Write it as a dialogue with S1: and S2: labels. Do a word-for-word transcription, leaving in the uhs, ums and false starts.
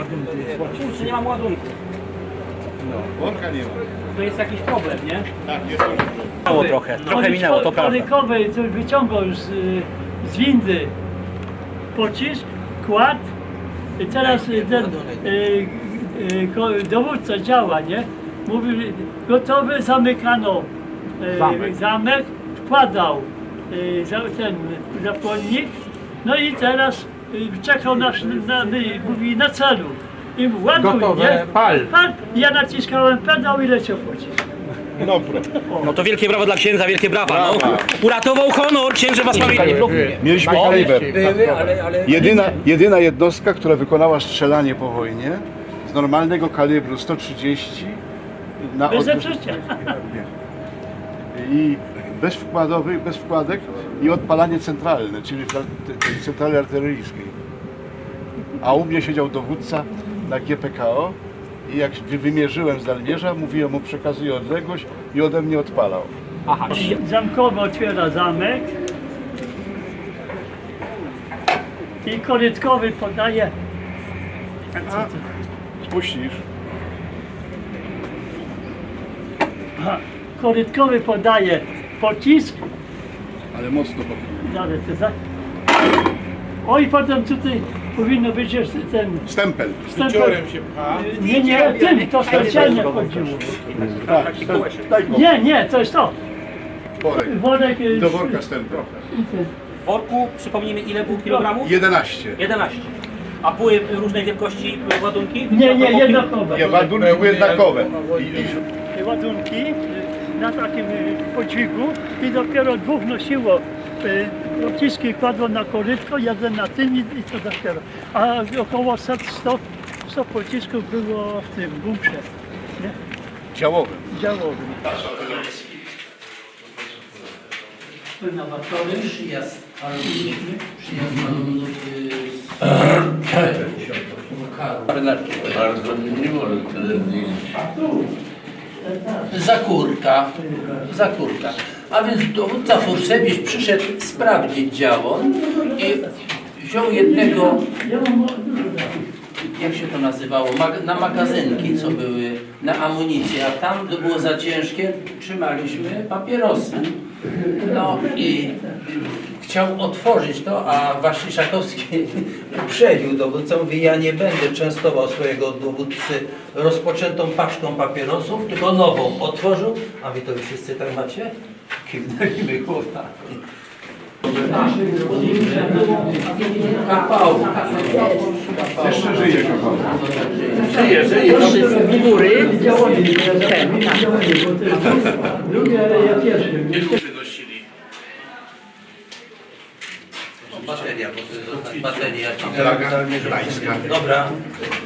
S1: ładunku.
S2: Kurczę, nie mam ładunku.
S3: No, worka nie ma.
S2: To jest jakiś problem, nie?
S3: Tak, jest duży problem.
S2: Minęło trochę, trochę minęło, to prawda.
S1: Korykowy coś wyciągał z, y, z windy pocisk, kładł i teraz y, ten y, y, ko- dowódca działa, nie? Mówił, gotowy, zamykano y,
S2: Zamek.
S1: zamek, wkładał y, za, ten zapłonnik, no i teraz y, czekał nasz, na, na, mówi na celu. I mówi, ładuj,
S2: Gotowe,
S1: nie?
S2: pal.
S1: Pal. Ja naciskałem pedał i leciał pocisk.
S3: Dobra.
S2: No to wielkie brawo dla księdza, wielkie brawa. No.
S3: Brawa.
S2: Uratował honor, księże was pamięci.
S3: Mieliśmy kaliber.
S4: Były, ale, ale
S3: Jedyna, jedyna jednostka, która wykonała strzelanie po wojnie z normalnego kalibru sto trzydzieści na
S1: Bez
S3: odwrót-
S1: zepsucia.
S3: i bez wkładowych, bez wkładek i odpalanie centralne, czyli w tej tej centrali artyleryjskiej. A u mnie siedział dowódca na G P K O i jak wy- wymierzyłem z dalmierza, mówiłem mu przekazuję odległość i ode mnie odpalał.
S2: Aha.
S1: Zamkowy otwiera zamek i korytkowy podaje.
S3: A, spuścisz.
S1: Aha, korytkowy podaje pocisk.
S3: Ale mocno po
S1: Zaraz, to za- Oj, potem tutaj powinno być jeszcze ten
S3: Stempel.
S1: stempel. Nie, nie, tym to specjalnie chodziło.
S3: Tak, daj go.
S1: Nie, nie, to jest to.
S3: Worek.
S1: Worek. y,
S3: Do worka stempel.
S2: W worku, przypomnijmy, ile było kilogramów?
S3: jedenaście.
S2: jedenaście. A były różnej wielkości ładunki?
S1: Nie, nie, jednakowe.
S3: Nie, ładunki były jednakowe. I, i,
S1: Ładunki y, na takim y, podźwigu i dopiero dwóch nosiło y, pociski, kładło na korytko, jeden na tym i, i to dopiero. A około sto, sto pocisków było w tym bunkrze, nie?
S3: działowym.
S1: Działowym. Płynowatory.
S4: przyjazd alumnów, przyjazd alumnów z
S5: Bardzo nie może tyle zdjęć.
S4: Zakórka, Zakórka. A więc dowódca Fursewicz przyszedł sprawdzić działo i wziął jednego, jak się to nazywało, Mag na magazynki, co były na amunicję, a tam to było za ciężkie, trzymaliśmy papierosy. No i chciał otworzyć to, a Waszyszakowski uprzedził dowódcę, mówi, ja nie będę częstował swojego dowódcy rozpoczętą paczką papierosów, tylko nową. Otworzył, a wy to wszyscy tak macie? Kiwnęliśmy głowami. Kapałka.
S3: Jeszcze żyje kochany.
S4: Żyje, żyje.
S1: Z góry. Drugie, ale ja pierwszy.
S4: Bateria, bo to jest bateria.
S3: Flaga gdańska.
S4: Dobra.